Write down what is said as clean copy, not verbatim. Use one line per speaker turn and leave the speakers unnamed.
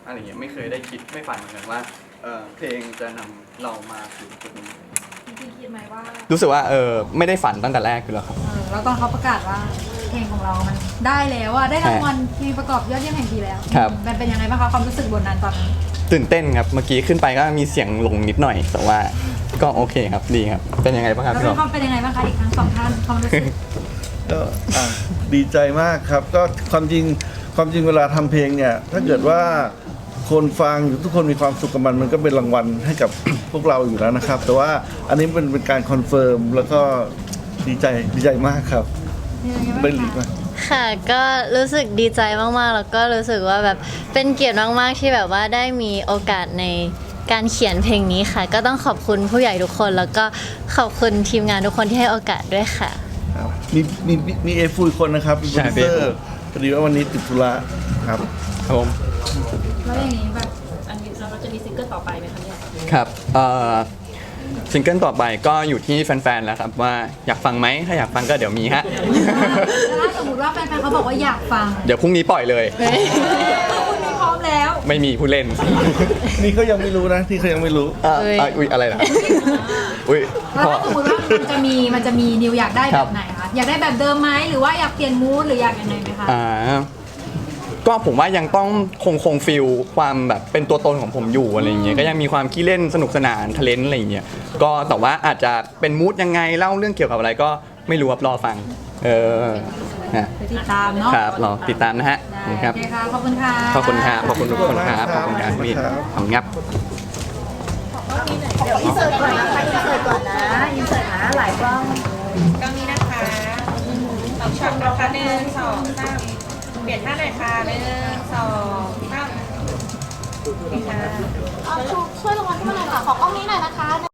อะไรเงี้ยไม่เคยได้คิดไม่ฝันเหมือนกันว่าเพลงจะนำเรามาถึงจุดนี้
จริงๆคิดไหมว่า
รู้สึกว่าไม่ได้ฝันตั้งแต่แรกอยู่แล้วครับ
แล้วตอนเขาประกาศว่าเพลงของเรามันได้แล้วอะได้รางวัลเพลงประกอบยอดเยี่ยมแห่งปีแล้วมันเป็นยังไงบ้างคะความรู้สึกบนนั้นตอนนั้น
ตื่นเต้นครับเมื่อกี้ขึ้นไปก็มีเสียงหลงนิดหน่อยแต่ว่าก็โอเคครับดีครับเป็นยังไงบ้างครับพี่
แล้วความเป็นยังไงบ้างคะอีกทั้งสองท่านความรู้สึก
ก็ดีใจมากครับก็ความจริงเวลาทำเพลงเนี่ยถ้าเกิดว่าคนฟังทุกคนมีความสุขกับมันก็เป็นรางวัลให้กับ พวกเราอยู่แล้วนะครับแต่ว่าอันนี้เป็นการคอนเฟิร์มแล้วก็ดีใจมากครับเป็นลีกมาก
ค่ะก็รู้สึกดีใจมากๆแล้วก็รู้สึกว่าแบบเป็นเกียรติมากๆที่แบบว่าได้มีโอกาสในการเขียนเพลงนี้ค่ะก็ต้องขอบคุณผู้ใหญ่ทุกคนแล้วก็ขอบคุณทีมงานทุกคนที่ให้โอกาสด้วยค่ะ
มีเอฟูคนนะครับเป็นโปรดิวเซอร์พอดีว่าวันนี้ติดธุระครับ
ครับผม
แล้วอย่างนี้แบบ
อันนี้เราจะมีซิงเกิลต่อไปไหมคะเนี่ย
ครับซิงเกิลต่อไปก็อยู่ที่แฟนๆแล้วครับว่าอยากฟังไหมถ้าอยากฟังก็เดี๋ยวมีฮะ
ถ้าสมมติว่าแฟนๆเขาบอกว่าอยากฟัง
เดี๋ยวพรุ่งนี้ปล่อยเลย
คุณมีพร้อมแล้ว
ไม่มีผู้เล่น
นี่เขายังไม่รู้นะที่เขายังไม่รู้
อุ้ยอะไรนะอุ้ย
แล้วถ้าสมมติว่ามันจะมีนิวอยากได้แบบไหนคะอยากได้แบบเดิมไหมหรือว่าอยากเปลี่ยนมูดหรืออยากยังไงไหมคะ
ก็ผมว่ายังต้องคงฟิลความแบบเป็นตัวตนของผมอยู่อะไรอย่างเงี้ยก็ยังมีความขี้เล่นสนุกสนานทะเลนอะไรอย่างเงี้ยก็แต่ว่าอาจจะเป็นมูดยังไงเล่าเรื่องเกี่ยวกับอะไรก็ไม่รู้ครับรอฟัง
ไปติดตามเนาะ
ครับรอติดตามนะฮะ
ครับขอบคุณค่ะ
ขอบคุณครับขอบคุณทุกคนครับขอบคุณครับพี่ขอบคุณครับ
เดี๋ยวอินเสิร์ตก่อนนะคะอินเสิร์ตก่อนนะอินเสิร์ตนะหลายกล้อง
กล้องนี้นะคะ2 ช็อตนะคะ1 2 3เปลี่ยนท่าหน่อยค่ะ1 2 3โอเคค่ะ
ช่วยลงมาขึ้นมาหน่อยค่ะขอกล้องนี้หน่อยนะคะ